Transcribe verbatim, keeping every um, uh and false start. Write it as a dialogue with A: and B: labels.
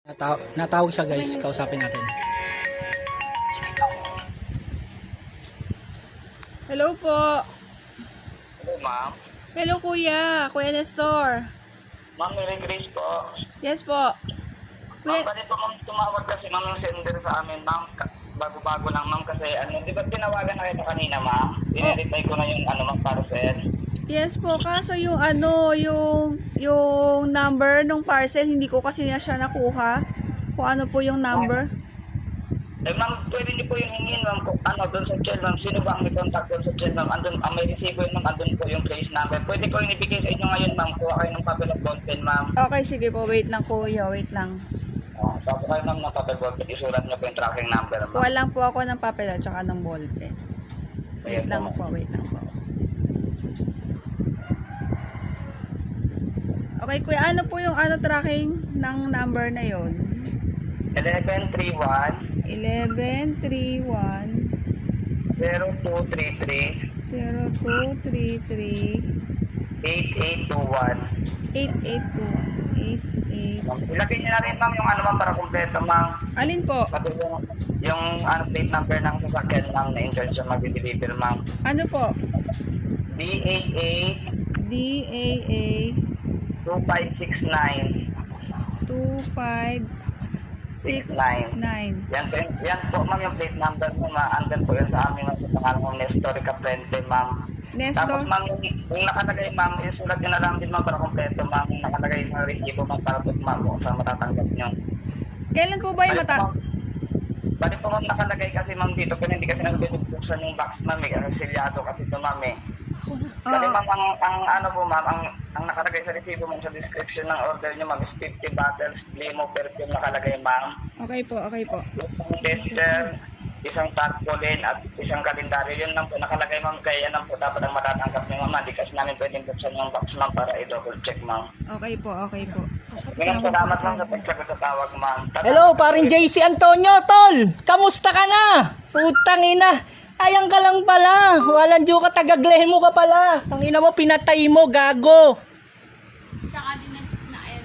A: Nataw natawag siya guys, kausapin natin. Sige.
B: Hello po.
C: Hello, ma'am.
B: Hello kuya. Kuya Nestor.
C: Ma'am, Mary Grace po.
B: Yes po.
C: Ma'am,
B: Kuya,
C: bali po ma'am tumawag kasi ma'am yung sender sa amin, ma'am. Ka- Bago-bago lang, ma'am, kasi ano, di ba tinawagan na kita kanina, ma'am? Pinireply ko na yung ano, ma'am, parcel.
B: yes po. Kaso yung ano, yung yung number ng parcel, hindi ko kasi na siya nakuha. Kung ano po yung number.
C: Eh, ma'am, pwede niyo po yung hingin, ma'am, kung ano, doon sa chat, ma'am. Sino ba ang may contact doon sa chat, ma'am? Andun, ang may receive yun, ma'am, andun po yung case number. Pwede ko yung ibigay sa inyo ngayon, ma'am. Kuha kayo ng papel at ballpen, ma'am.
B: Okay, sige po. Wait lang kuya. Wait lang.
C: Oh, tapos kayo, ma'am, ng papel ballpen. Isulat niyo po yung tracking number, ma'am.
B: Kuha lang po ako ng papel at saka ng ballpen. Wait
C: Ayan
B: lang
C: po,
B: po. Wait lang po. Okay, kuya. Ano po yung ano tracking ng number na yon?
C: eleven three one
B: eleven three one
C: zero two three three
B: zero two three three
C: eight eight two one.
B: eight eight two one eight eight.
C: Ilagay niyo na rin, ma'am, yung ano, ma'am, para kumpleto, ma'am.
B: Alin po?
C: Pati yung, yung ano, plate number ng sasakyan, ma'am, na intention mag-deliver, ma'am.
B: Ano po?
C: D A A
B: D A A
C: two five six nine.
B: two five six nine.
C: Yan po, yan po, ma'am, yung plate number mo, ma'am. Andun po yun sa amin, ma'am, sa pangalan ng Nestor Caprente, ma'am. Tapos,
B: Nestor?
C: ma'am, yung, yung nakalagay, ma'am, isulat nyo na lang din, ma'am, para kumpleto, ma'am. Yung nakalagay sa resibo, ma'am, para po, ma'am, kung saan matatanggap nyo.
B: Kailan po ba yung mata?
C: Bali po, ma'am, nakalagay kasi, ma'am, dito, pero hindi kasi nagbibuksan yung box, ma'am, eh, kasi silyado kasi ito, ma'am, eh. Kasi,
B: Oo.
C: ma'am, ang, ang ano po, ma'am, ang, ang nakalagay sa resibo, ma'am, sa description ng order nyo, ma'am, is fifty bottles, limo, perfume nakalagay, ma'am.
B: Okay po, okay po.
C: Isang tester, isang tarpaulin, at isang kalendaryo. Yun lang po nakalagay, ma'am, kaya yan lang po dapat ang matatanggap niyo, ma'am. Hindi kasi namin pwedeng buksan yung box, ma'am, para i-double check, ma'am.
B: Okay po, okay po.
C: Maraming salamat, ma'am, sa pagsagot sa tawag, ma'am.
A: Hello, paring J C Antonio, tol. Kamusta ka na? Putang ina. Ayang ka lang pala. Walang diyo ka, tagaglehin mo ka pala. Tangina mo, pinatay mo, gago.